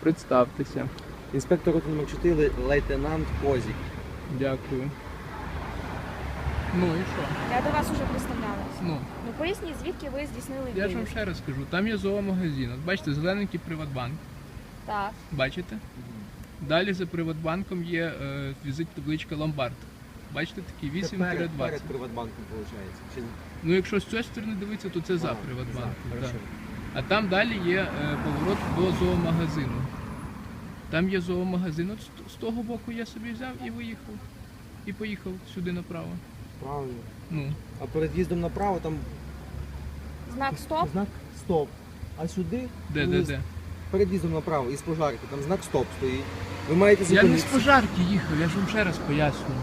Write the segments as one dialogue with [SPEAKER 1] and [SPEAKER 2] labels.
[SPEAKER 1] Представтеся.
[SPEAKER 2] Інспектор роти номер 4, лейтенант Козік.
[SPEAKER 1] Дякую. Ну і що?
[SPEAKER 3] Я до вас уже представлялась.
[SPEAKER 1] Ну,
[SPEAKER 3] Ну поясніть, звідки ви здійснили
[SPEAKER 1] я ж вам
[SPEAKER 3] виїзд?
[SPEAKER 1] ще раз скажу, там є зоомагазин. От бачите, зелененький Приватбанк.
[SPEAKER 3] Так.
[SPEAKER 1] Бачите? Далі за Приватбанком є візит табличка Ломбард. Бачите, такий
[SPEAKER 2] Це перед
[SPEAKER 1] 8-20.
[SPEAKER 2] Приватбанком, виходить. Чи...
[SPEAKER 1] Ну якщо з цієї сторони дивитися, то це за
[SPEAKER 2] А,
[SPEAKER 1] Приватбанком.
[SPEAKER 2] за,
[SPEAKER 1] так.
[SPEAKER 2] хорошо.
[SPEAKER 1] А там далі є поворот до зоомагазину. Там є зоомагазин. От з того боку я собі взяв і виїхав. І поїхав сюди направо.
[SPEAKER 2] Правильно.
[SPEAKER 1] Ну.
[SPEAKER 2] А перед в'їздом направо там
[SPEAKER 3] Знак стоп.
[SPEAKER 2] знак стоп. А сюди
[SPEAKER 1] Де?
[SPEAKER 2] перед в'їздом направо із пожарки, там знак стоп стоїть. Ви маєте
[SPEAKER 1] Я не з
[SPEAKER 2] зупинитися.
[SPEAKER 1] пожарки їхав, я ж вам ще раз пояснюю.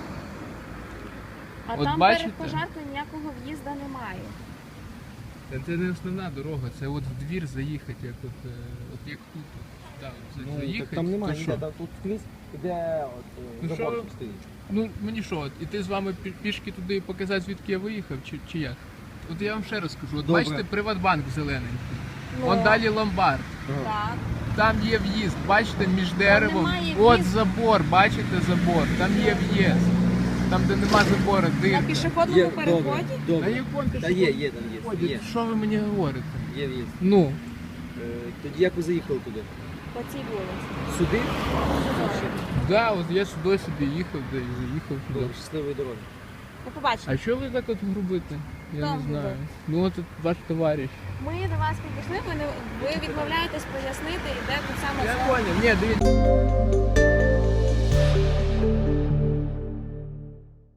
[SPEAKER 3] А
[SPEAKER 1] От
[SPEAKER 3] там
[SPEAKER 1] бачите?
[SPEAKER 3] перед пожаркою ніякого в'їзду немає.
[SPEAKER 1] Це не основна дорога, це от в двір заїхати, як як тут. Да,
[SPEAKER 2] Ну,
[SPEAKER 1] заїхати,
[SPEAKER 2] так там немає
[SPEAKER 1] то
[SPEAKER 2] ніде,
[SPEAKER 1] що?
[SPEAKER 2] там тут скрізь іде
[SPEAKER 1] Ну, що
[SPEAKER 2] забор
[SPEAKER 1] ви-
[SPEAKER 2] стоїть.
[SPEAKER 1] Ну мені що, іти з вами пішки туди і показати, звідки я виїхав, чи як? От я вам ще раз скажу, от
[SPEAKER 2] Добре.
[SPEAKER 1] бачите, Приватбанк зелененький.
[SPEAKER 3] Ну,
[SPEAKER 1] Вон далі ломбард.
[SPEAKER 3] Так.
[SPEAKER 1] Там є в'їзд, бачите, між деревом.
[SPEAKER 3] немає
[SPEAKER 1] От
[SPEAKER 3] в'їзду.
[SPEAKER 1] забор, бачите забор, там є в'їзд. Там, де нема забору,
[SPEAKER 3] На
[SPEAKER 1] дирка.
[SPEAKER 3] пішохідному
[SPEAKER 2] Є,
[SPEAKER 3] переході?
[SPEAKER 2] добре,
[SPEAKER 1] Та
[SPEAKER 2] добре.
[SPEAKER 1] якон
[SPEAKER 2] Та є, там є. Є,
[SPEAKER 1] Що ви мені говорите?
[SPEAKER 2] є в'їзд.
[SPEAKER 1] Ну,
[SPEAKER 2] Тоді як ви заїхали туди?
[SPEAKER 3] По цій вулиці.
[SPEAKER 2] Сюди?
[SPEAKER 1] да, от я сюди собі їхав, де і заїхав сюди.
[SPEAKER 2] Добре, щасливої дороги.
[SPEAKER 3] До побачення.
[SPEAKER 1] А що ви так от грубите? Я
[SPEAKER 3] Хто
[SPEAKER 1] не знаю.
[SPEAKER 3] грубить?
[SPEAKER 1] Ну от ваш товариш.
[SPEAKER 3] Ми до вас підійшли, ви відмовляєтесь пояснити, і де тут саме
[SPEAKER 1] Я
[SPEAKER 3] це.
[SPEAKER 1] понял. Ні, дивіться.